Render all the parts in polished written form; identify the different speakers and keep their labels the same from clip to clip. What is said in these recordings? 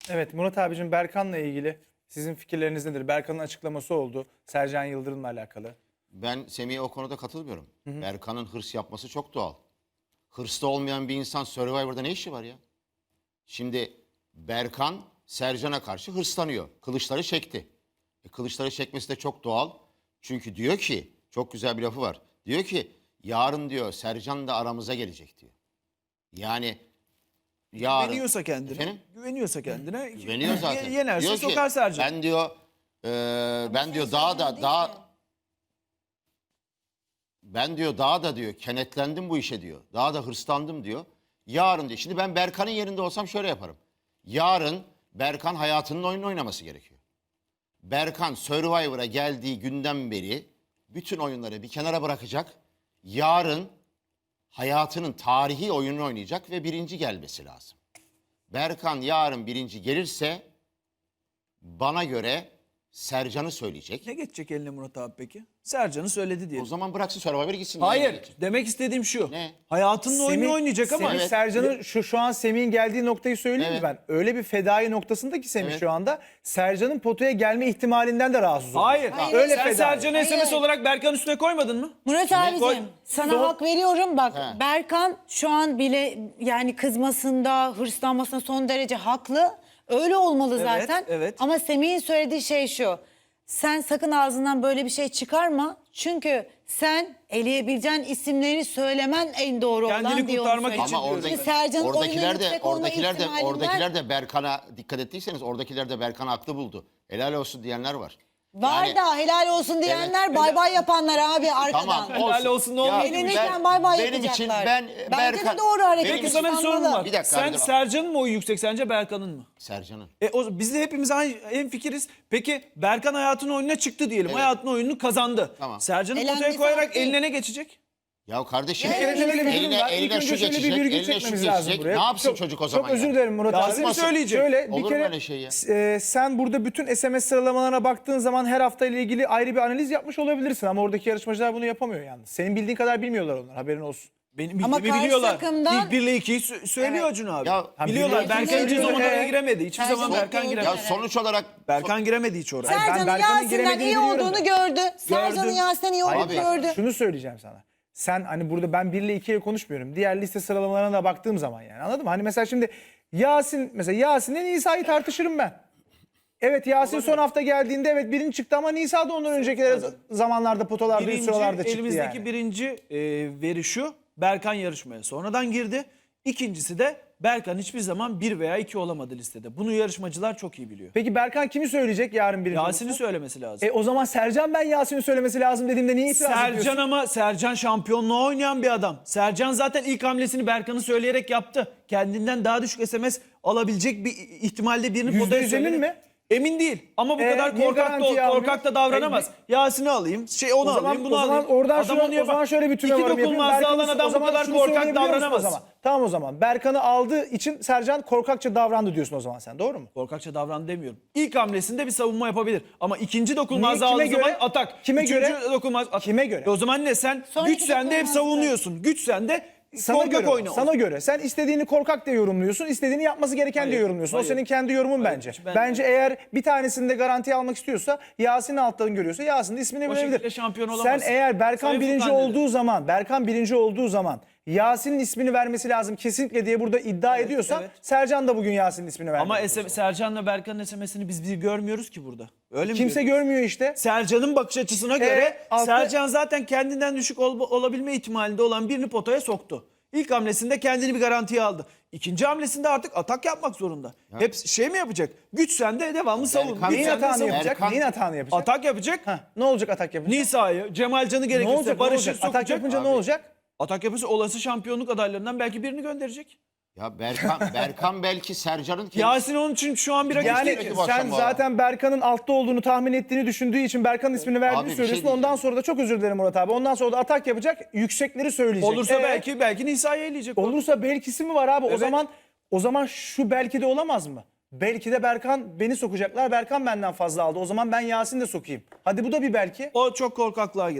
Speaker 1: Evet Murat abicim, Berkan'la ilgili sizin fikirleriniz nedir? Berkan'ın açıklaması oldu Sercan Yıldırım'la alakalı.
Speaker 2: Ben Semih'e o konuda katılmıyorum. Berkan'ın hırs yapması çok doğal. Hırslı olmayan bir insan Survivor'da ne işi var ya? Şimdi Berkan Sercan'a karşı hırslanıyor. Kılıçları çekti. Kılıçları çekmesi de çok doğal. Çünkü diyor ki, çok güzel bir lafı var. Diyor ki yarın diyor Sercan da aramıza gelecek diyor. Yani yarın...
Speaker 3: Güveniyorsa kendine.
Speaker 2: Efendim?
Speaker 3: Güveniyorsa kendine.
Speaker 2: Güveniyor zaten.
Speaker 3: Yenerse
Speaker 2: Diyor ki,
Speaker 3: sokar Sercan.
Speaker 2: ben diyor ben diyor daha da diyor kenetlendim bu işe diyor. Daha da hırslandım diyor. Yarın diyor. Şimdi ben Berkan'ın yerinde olsam şöyle yaparım. Yarın Berkan hayatının oyununu oynaması gerekiyor. Berkan Survivor'a geldiği günden beri bütün oyunları bir kenara bırakacak. Yarın hayatının tarihi oyununu oynayacak ve birinci gelmesi lazım. Berkan yarın birinci gelirse bana göre Sercan'ı söyleyecek.
Speaker 3: Ne geçecek eline Murat abi peki? Sercan'ı söyledi diye.
Speaker 2: O zaman bıraksın Survivor'a gitsin.
Speaker 3: Hayır. Demek istediğim şu.
Speaker 2: Ne?
Speaker 3: Hayatının oyununu oynayacak ama.
Speaker 1: Semih
Speaker 2: Evet.
Speaker 1: Sercan'ın şu an Semih'in geldiği noktayı söyleyeyim
Speaker 2: Evet.
Speaker 1: mi ben? Öyle bir fedai noktasında ki Semih
Speaker 2: Evet.
Speaker 1: şu anda Sercan'ın potaya gelme ihtimalinden de rahatsız oluyor.
Speaker 3: Hayır.
Speaker 1: Öyle
Speaker 3: Sen
Speaker 1: fedai.
Speaker 3: Sercan'ı SMS
Speaker 4: Hayır.
Speaker 3: olarak Berkan üstüne koymadın mı?
Speaker 4: Murat
Speaker 3: Koy-
Speaker 4: abicim sana
Speaker 1: Son-
Speaker 4: hak veriyorum bak
Speaker 2: He.
Speaker 4: Berkan şu an bile yani kızmasında hırslanmasında son derece haklı. Öyle olmalı
Speaker 3: Evet,
Speaker 4: zaten.
Speaker 3: evet.
Speaker 4: Ama Semih'in söylediği şey şu. Sen sakın ağzından böyle bir şey çıkarma. Çünkü sen eleyebileceğin isimleri söylemen en doğru
Speaker 3: Kendini
Speaker 4: olan diye onu
Speaker 3: kurtarmak
Speaker 4: söylüyor.
Speaker 3: için
Speaker 2: Ama
Speaker 3: diyorum.
Speaker 4: Şimdi Sercan'ın oyunun
Speaker 2: oradakiler de
Speaker 4: yüksek olma ihtimalinden-
Speaker 2: oradakiler de Berkan'a dikkat ettiyseniz oradakiler de Berkan'ı haklı buldu. Helal olsun diyenler var.
Speaker 4: Var
Speaker 2: Yani-
Speaker 4: da helal olsun diyenler bay bay yapanlar abi arkadan.
Speaker 2: Tamam
Speaker 3: Helal olsun, ne olmuyor?
Speaker 4: Eğlenirken bay bay
Speaker 2: benim için
Speaker 4: yapacaklar. Bence de doğru hareket.
Speaker 3: Peki sana bir sorum var.
Speaker 2: Bir dakika,
Speaker 3: Sen
Speaker 2: hadi.
Speaker 3: Sercan'ın mı oyu yüksek sence Berkan'ın mı?
Speaker 2: Sercan'ın.
Speaker 3: Biz de hepimiz en fikiriz. Peki Berkan hayatının oyununa çıktı diyelim.
Speaker 2: Evet.
Speaker 3: Hayatının oyununu kazandı.
Speaker 2: Tamam.
Speaker 3: Sercan'ı
Speaker 4: Elendi
Speaker 3: potaya koyarak
Speaker 4: falan değil.
Speaker 3: eline ne geçecek?
Speaker 2: Ya kardeşim
Speaker 4: Bir kere şöyle bir
Speaker 1: durum var. İlk
Speaker 2: eline
Speaker 1: önce
Speaker 2: şu
Speaker 1: şöyle bir
Speaker 2: geçecek,
Speaker 1: virgül
Speaker 2: eline şu
Speaker 1: çekmemiz lazım
Speaker 2: geçecek.
Speaker 1: buraya.
Speaker 2: Ne yapsın
Speaker 1: Çok-
Speaker 2: çocuk o zaman
Speaker 1: Çok özür
Speaker 2: ya?
Speaker 1: dilerim Murat
Speaker 3: Yasin
Speaker 1: abi.
Speaker 3: söyleyecek.
Speaker 1: Şöyle
Speaker 2: Olur
Speaker 1: bir
Speaker 2: mu
Speaker 1: kere
Speaker 2: öyle şey ya?
Speaker 1: sen burada bütün SMS sıralamalarına baktığın zaman her hafta ile ilgili ayrı bir analiz yapmış olabilirsin ama oradaki yarışmacılar bunu yapamıyor yalnız. Senin bildiğin kadar bilmiyorlar onlar, haberin olsun.
Speaker 3: Benim
Speaker 4: Ama
Speaker 3: bildiğimi
Speaker 4: karşı
Speaker 3: biliyorlar.
Speaker 4: takımdan-
Speaker 3: İlk 1 ile 2'yi söylüyor
Speaker 4: Evet.
Speaker 3: Acun abi.
Speaker 2: Ya,
Speaker 3: biliyorlar.
Speaker 1: biri-
Speaker 3: Berkan
Speaker 1: ikisi
Speaker 3: hiçbir
Speaker 1: söylüyor.
Speaker 3: zaman oraya giremedi. Hiçbir
Speaker 4: Her
Speaker 3: zaman
Speaker 4: zaman
Speaker 3: Berkan
Speaker 4: doğru.
Speaker 3: giremedi.
Speaker 2: Ya sonuç olarak
Speaker 3: Berkan giremedi hiç oraya.
Speaker 1: ben
Speaker 4: Sercan'ın
Speaker 1: Berkan'ın
Speaker 4: Yasin'den
Speaker 1: giremediğini
Speaker 4: iyi
Speaker 1: biliyorum
Speaker 4: olduğunu
Speaker 1: da.
Speaker 4: gördü. Sercan'ın
Speaker 3: Gördüm.
Speaker 4: Yasin'den iyi olduğunu
Speaker 2: Abi,
Speaker 4: gördü.
Speaker 1: Şunu söyleyeceğim sana. Sen hani burada ben 1 ile 2 ile konuşmuyorum. Diğer liste sıralamalarına da baktığım zaman yani, anladın mı? Hani mesela şimdi Yasin'le Nisa'yı tartışırım ben. Evet, Yasin son hafta geldiğinde evet birinci çıktı ama Nisa da ondan önceki zamanlarda potalarda üst sıralarda çıktı
Speaker 3: elimizdeki
Speaker 1: yani.
Speaker 3: birinci veri şu. Berkan yarışmaya sonradan girdi. İkincisi de Berkan hiçbir zaman 1 veya 2 olamadı listede. Bunu yarışmacılar çok iyi biliyor.
Speaker 1: Peki Berkan kimi söyleyecek yarın birinci
Speaker 3: Yasin'i
Speaker 1: olursa?
Speaker 3: söylemesi lazım.
Speaker 1: O zaman Sercan ben Yasin'i söylemesi lazım dediğimde niye itiraz ediyorsun?
Speaker 3: Sercan ama Sercan şampiyonluğa oynayan bir adam. Sercan zaten ilk hamlesini Berkan'ı söyleyerek yaptı. Kendinden daha düşük SMS alabilecek bir ihtimalde birini
Speaker 1: %100
Speaker 3: potaya
Speaker 1: emin
Speaker 3: söyledi.
Speaker 1: mi?
Speaker 3: Emin değil ama bu kadar
Speaker 1: niye
Speaker 3: korkak
Speaker 1: garantiye
Speaker 3: da,
Speaker 1: almıyor?
Speaker 3: korkak da davranamaz. Yasin'i alayım, onu
Speaker 1: O zaman,
Speaker 3: alayım, bunu
Speaker 1: o zaman
Speaker 3: alayım.
Speaker 1: oradan
Speaker 3: Adam
Speaker 1: şöyle,
Speaker 3: onu yapar.
Speaker 1: o zaman şöyle bir
Speaker 3: İki
Speaker 1: tüme varım yapayım.
Speaker 3: dokunmazda alan
Speaker 1: o
Speaker 3: adam bu
Speaker 1: zaman
Speaker 3: kadar
Speaker 1: şunu
Speaker 3: korkak
Speaker 1: söyleyebiliyor musun o
Speaker 3: davranamaz.
Speaker 1: zaman? Tamam o zaman. Berkan'ı aldığı için Sercan korkakça davrandı diyorsun o zaman sen, doğru mu?
Speaker 3: Korkakça davran demiyorum. İlk hamlesinde bir savunma yapabilir. Ama ikinci dokunmazda
Speaker 1: Niye?
Speaker 3: aldığı
Speaker 1: Kime
Speaker 3: zaman
Speaker 1: göre?
Speaker 3: atak.
Speaker 1: Kime
Speaker 3: Üçüncü
Speaker 1: göre?
Speaker 3: dokunmaz atak.
Speaker 1: Kime göre?
Speaker 3: O zaman ne, sen
Speaker 4: Sonraki
Speaker 3: güç sende hep
Speaker 4: dokunmazda.
Speaker 3: savunuyorsun. Güç sende
Speaker 1: Sana
Speaker 3: korkak
Speaker 1: göre,
Speaker 3: oyna.
Speaker 1: sana göre. Sen istediğini korkak diye yorumluyorsun, istediğini yapması gereken
Speaker 3: Hayır,
Speaker 1: diye yorumluyorsun.
Speaker 3: hayır.
Speaker 1: O senin kendi yorumun bence.
Speaker 3: ben-
Speaker 1: Bence eğer bir tanesini de garantiye almak istiyorsa, Yasin'i alttan görüyorsa Yasin de ismini
Speaker 3: O
Speaker 1: verebilir.
Speaker 3: şekilde şampiyon
Speaker 1: Sen
Speaker 3: olamazsın.
Speaker 1: eğer Berkan
Speaker 3: Sayın
Speaker 1: birinci
Speaker 3: Furkan dedi.
Speaker 1: olduğu zaman, Berkan birinci olduğu zaman Yasin'in ismini vermesi lazım kesinlikle diye burada iddia ediyorsan,
Speaker 3: evet.
Speaker 1: Sercan da bugün Yasin'in ismini vermeli.
Speaker 3: Ama Sercan'la Berkan'ın SMS'ini biz bir görmüyoruz ki burada. Öyle mi?
Speaker 1: Kimse
Speaker 3: görüyoruz?
Speaker 1: görmüyor işte.
Speaker 3: Sercan'ın bakış açısına göre
Speaker 1: altta-
Speaker 3: Sercan zaten kendinden düşük olabilme ihtimalinde olan birini potaya soktu. İlk hamlesinde kendini bir garantiye aldı. İkinci hamlesinde artık atak yapmak zorunda. Hep şey mi yapacak? Güç sende, devamlı savun.
Speaker 2: Berkan-
Speaker 3: Güç
Speaker 1: Neyin
Speaker 3: sende,
Speaker 1: hatanı
Speaker 3: savun.
Speaker 1: yapacak?
Speaker 2: Berkan-
Speaker 1: Neyin hatanı yapacak?
Speaker 3: Atak yapacak.
Speaker 1: Ne olacak atak yapınca?
Speaker 3: Nisa'yı, Cemalcan'ı
Speaker 1: Ne
Speaker 3: gerekirse
Speaker 1: olacak? Ne
Speaker 3: Barış'ı
Speaker 1: olacak?
Speaker 3: sokacak.
Speaker 1: Atak yapınca ne
Speaker 2: Abi.
Speaker 1: olacak?
Speaker 3: Atak yapırsa olası şampiyonluk adaylarından belki birini gönderecek.
Speaker 2: ya Berkan belki Sercan'ın kendisi.
Speaker 3: Yasin onun için şu an bir rakip
Speaker 1: Yani
Speaker 3: değil.
Speaker 2: Peki bu
Speaker 1: sen
Speaker 2: akşam bu arada.
Speaker 1: zaten Berkan'ın altta olduğunu tahmin ettiğini düşündüğü için Berkan'ın ismini
Speaker 2: Abi
Speaker 1: verdiğini
Speaker 2: bir şey
Speaker 1: söylüyorsun.
Speaker 2: diyeceğim.
Speaker 1: Ondan sonra da çok özür dilerim Murat abi. Ondan sonra da atak yapacak, yüksekleri söyleyecek.
Speaker 3: Olursa belki Nisa'yı eleyecek.
Speaker 1: Olursa belkisi mi var abi?
Speaker 3: Evet.
Speaker 1: O zaman şu belki de olamaz mı? Belki de Berkan beni sokacaklar. Berkan benden fazla aldı. O zaman ben Yasin de sokayım. Hadi bu da bir belki.
Speaker 3: O çok korkaklığa girer.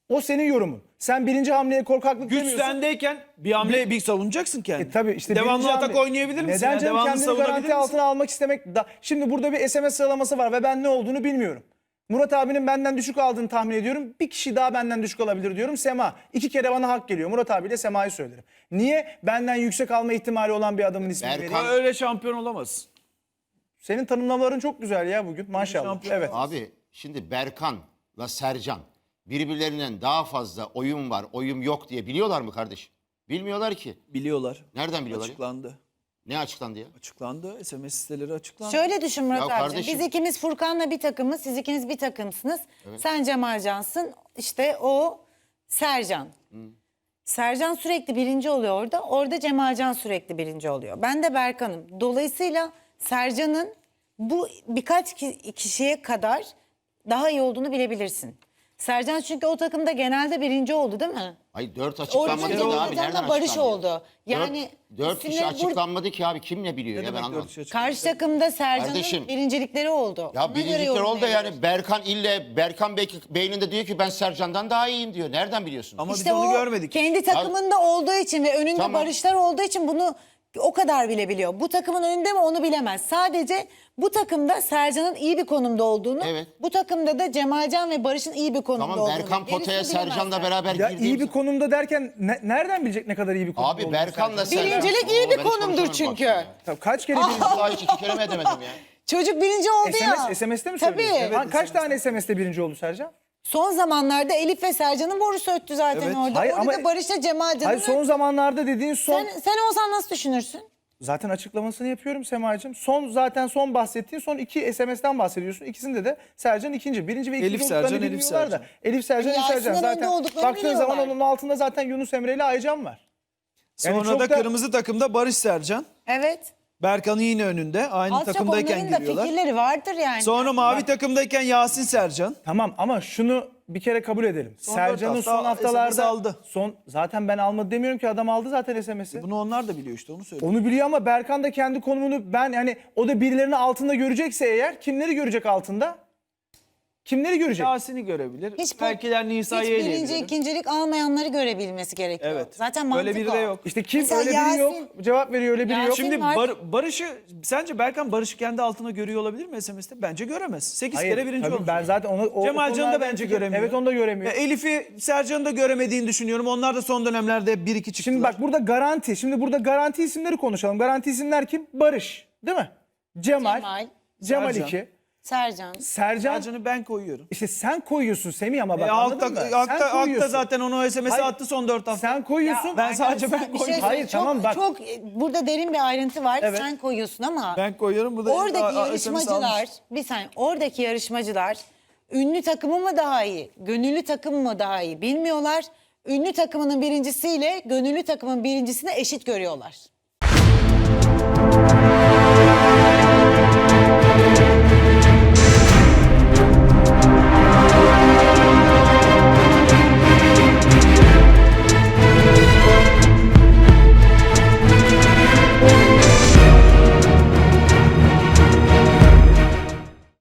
Speaker 1: O senin yorumun. Sen birinci hamleye korkaklık
Speaker 3: Güç
Speaker 1: demiyorsun.
Speaker 3: sendeyken bir hamle bir savunacaksın kendini.
Speaker 1: Tabii işte
Speaker 3: devamlı
Speaker 1: birinci
Speaker 3: atak
Speaker 1: hamle-
Speaker 3: oynayabilir misin?
Speaker 1: Neden
Speaker 3: ya?
Speaker 1: canım,
Speaker 3: Devamlı
Speaker 1: kendini
Speaker 3: savunabilir
Speaker 1: garanti
Speaker 3: misin?
Speaker 1: altına almak istemek şimdi burada bir SMS sıralaması var ve ben ne olduğunu bilmiyorum. Murat abinin benden düşük aldığını tahmin ediyorum. Bir kişi daha benden düşük alabilir diyorum. Sema. 2 kere bana hak geliyor. Murat abiyle Sema'yı söylerim. Niye? Benden yüksek alma ihtimali olan bir adamın ismini
Speaker 2: Berkan-
Speaker 1: vereyim.
Speaker 3: Öyle şampiyon olamazsın.
Speaker 1: Senin tanımlamaların çok güzel ya bugün. Maşallah.
Speaker 3: Şampiyon
Speaker 1: Evet.
Speaker 2: Abi şimdi Berkan'la Sercan birbirlerinden daha fazla oyun var, oyun yok diye biliyorlar mı kardeş? Bilmiyorlar ki.
Speaker 3: Biliyorlar.
Speaker 2: Nereden biliyorlar? ya?
Speaker 3: Açıklandı.
Speaker 2: Ne açıklandı ya?
Speaker 3: Açıklandı. SMS siteleri açıklandı.
Speaker 4: Şöyle düşün Murat
Speaker 2: Ya
Speaker 4: abicim.
Speaker 2: kardeşim-
Speaker 4: Biz ikimiz Furkan'la bir takımız, siz ikiniz bir takımsınız. Sen Cemalcansın, işte o Sercan. Sercan sürekli birinci oluyor orada. Orada Cemalcan sürekli birinci oluyor. Ben de Berkan'ım. Dolayısıyla Sercan'ın bu birkaç kişiye kadar daha iyi olduğunu bilebilirsin. Sercan çünkü o takımda genelde birinci oldu değil mi?
Speaker 2: Ay 4
Speaker 4: Orada
Speaker 2: açıklanmadı ki abi. Nereden
Speaker 4: Barış
Speaker 2: açıklandı?
Speaker 4: oldu. Yani
Speaker 2: 4 kişi
Speaker 4: isimleri
Speaker 2: açıklanmadı ki abi. Kim ne biliyor
Speaker 3: Ne
Speaker 2: ya ben
Speaker 3: demek
Speaker 2: anlamadım.
Speaker 3: dört kişi açıklandı?
Speaker 4: karşı takımda Sercan'ın
Speaker 2: Kardeşim,
Speaker 4: birincilikleri oldu.
Speaker 2: Ya
Speaker 4: Ona göre
Speaker 2: birincilikler oldu da
Speaker 4: yorumlayabilir.
Speaker 2: yani Berkan beyninde diyor ki ben Sercan'dan daha iyiyim diyor. Nereden biliyorsun?
Speaker 3: Ama
Speaker 4: İşte
Speaker 3: biz onu
Speaker 4: o
Speaker 3: görmedik.
Speaker 4: kendi takımında olduğu için ve önünde
Speaker 2: Tamam.
Speaker 4: Barışlar olduğu için bunu o kadar bilebiliyor. Bu takımın önünde mi onu bilemez. Sadece bu takımda Sercan'ın iyi bir konumda olduğunu,
Speaker 2: Evet.
Speaker 4: bu takımda da Cemalcan ve Barış'ın iyi bir konumda
Speaker 2: Tamam
Speaker 4: olduğunu.
Speaker 2: Berkan
Speaker 4: Gerisini
Speaker 2: potaya
Speaker 4: bilemezler.
Speaker 2: Sercan'la beraber
Speaker 1: Ya
Speaker 2: girdiğim
Speaker 1: iyi bir
Speaker 2: zaman-
Speaker 1: konumda derken nereden bilecek ne kadar iyi bir konumda
Speaker 2: Abi
Speaker 1: olduğunu
Speaker 2: Berkan'la
Speaker 1: Sercan?
Speaker 2: Sercan.
Speaker 4: Birincilik iyi bir
Speaker 2: Ben hiç
Speaker 4: konumdur
Speaker 2: konuşamam
Speaker 4: çünkü.
Speaker 2: bak ya.
Speaker 1: Tabii kaç kere birinci?
Speaker 2: Vallahi hiç 2 kere mi edemedim ya?
Speaker 4: Çocuk birinci oldu ya.
Speaker 1: SMS'te mi
Speaker 4: Tabii.
Speaker 1: söylüyorsun? Kaç tane SMS'te birinci oldu Sercan?
Speaker 4: Son zamanlarda Elif ve Sercan'ın borusu öttü zaten
Speaker 3: Evet.
Speaker 4: orada.
Speaker 1: Hayır,
Speaker 4: orada
Speaker 1: ama-
Speaker 4: da Barış'la Cemalcan'ın
Speaker 1: Hayır son zamanlarda dediğin son...
Speaker 4: sen olsan nasıl düşünürsün?
Speaker 1: Zaten açıklamasını yapıyorum Sema'cığım. Son bahsettiğin son 2 SMS'ten bahsediyorsun. İkisinde de Sercan ikinci. Birinci ve ikinci
Speaker 3: Elif
Speaker 1: olduklarını
Speaker 3: Sercan, Elif
Speaker 1: bilmiyorlar da.
Speaker 3: Sercan.
Speaker 1: Elif Sercan, Elif
Speaker 4: Yasin'den
Speaker 1: Sercan.
Speaker 4: önde
Speaker 1: Zaten
Speaker 4: olduklarını
Speaker 1: baktığın zaman
Speaker 4: biliyorlar.
Speaker 1: onun altında zaten Yunus Emre ile Aycan var. Yani
Speaker 3: Sonra
Speaker 1: çok
Speaker 3: da kırmızı takımda Barış Sercan.
Speaker 4: Evet.
Speaker 3: Berkan'ın yine önünde. Aynı
Speaker 4: Az çok
Speaker 3: takımdayken
Speaker 4: onların da
Speaker 3: giriyorlar.
Speaker 4: fikirleri vardır yani.
Speaker 3: Sonra mavi takımdayken Yasin Sercan.
Speaker 1: Tamam ama şunu bir kere kabul edelim.
Speaker 3: Son
Speaker 1: Sercan'ın
Speaker 3: dört
Speaker 1: son
Speaker 3: hafta
Speaker 1: haftalarda
Speaker 3: SMS aldı.
Speaker 1: zaten ben almadı demiyorum ki, adam aldı zaten SMS'i.
Speaker 3: Bunu onlar da biliyor işte onu söylüyorum.
Speaker 1: Onu biliyor ama Berkan da kendi konumunu yani o da birilerini altında görecekse eğer kimleri görecek altında? Kimleri görecek?
Speaker 3: Yasin'i görebilir. Belkiler Nisa'yı
Speaker 4: hiç birinci,
Speaker 3: eleyebilir.
Speaker 4: ikincilik almayanları görebilmesi gerekiyor.
Speaker 3: Evet.
Speaker 4: Zaten mantık
Speaker 3: Öyle biri de
Speaker 4: o.
Speaker 3: yok.
Speaker 1: İşte kim
Speaker 4: Mesela
Speaker 1: öyle biri
Speaker 4: Yasin-
Speaker 1: yok. Cevap veriyor öyle biri
Speaker 4: Yasin-
Speaker 1: yok.
Speaker 3: Şimdi
Speaker 4: var.
Speaker 3: Barış'ı sence Berkan Barış'ı kendi altına görüyor olabilir mi SMS'te? Bence göremez. 8
Speaker 1: Hayır,
Speaker 3: kere birinci
Speaker 1: tabii
Speaker 3: olmuş.
Speaker 1: ben zaten o
Speaker 3: Cemalcan'ı da
Speaker 1: konularda
Speaker 3: bence
Speaker 1: fikir-
Speaker 3: göremiyor.
Speaker 1: Evet, onu da göremiyor.
Speaker 3: Elif'i Sercan'ı da göremediğini düşünüyorum. Onlar da son dönemlerde 1-2 çıktılar.
Speaker 1: Şimdi bak burada garanti. Şimdi burada garanti isimleri konuşalım. Garanti isimler kim? Barış. Değil mi? Cemal
Speaker 3: Sercan.
Speaker 1: 2.
Speaker 4: Sercan.
Speaker 1: Sercan.
Speaker 3: Sercan'ı ben koyuyorum.
Speaker 1: İşte sen koyuyorsun Semih ama bak anladın mı? Sen
Speaker 3: Hakta
Speaker 1: koyuyorsun.
Speaker 3: zaten onu o SMS'i
Speaker 1: Hayır,
Speaker 3: attı son 4 hafta.
Speaker 1: Sen koyuyorsun.
Speaker 3: Ben sadece ben
Speaker 4: Bir şey
Speaker 3: koydum.
Speaker 1: Hayır,
Speaker 4: söyleyeyim.
Speaker 1: tamam, bak.
Speaker 4: Çok burada derin bir ayrıntı var.
Speaker 1: Evet.
Speaker 4: Sen koyuyorsun ama
Speaker 3: Ben koyuyorum. Burada
Speaker 4: oradaki
Speaker 3: SMS
Speaker 4: yarışmacılar,
Speaker 3: almış.
Speaker 4: bir saniye, oradaki yarışmacılar ünlü takımı mı daha iyi, gönüllü takım mı daha iyi bilmiyorlar. Ünlü takımının birincisiyle gönüllü takımın birincisini eşit görüyorlar.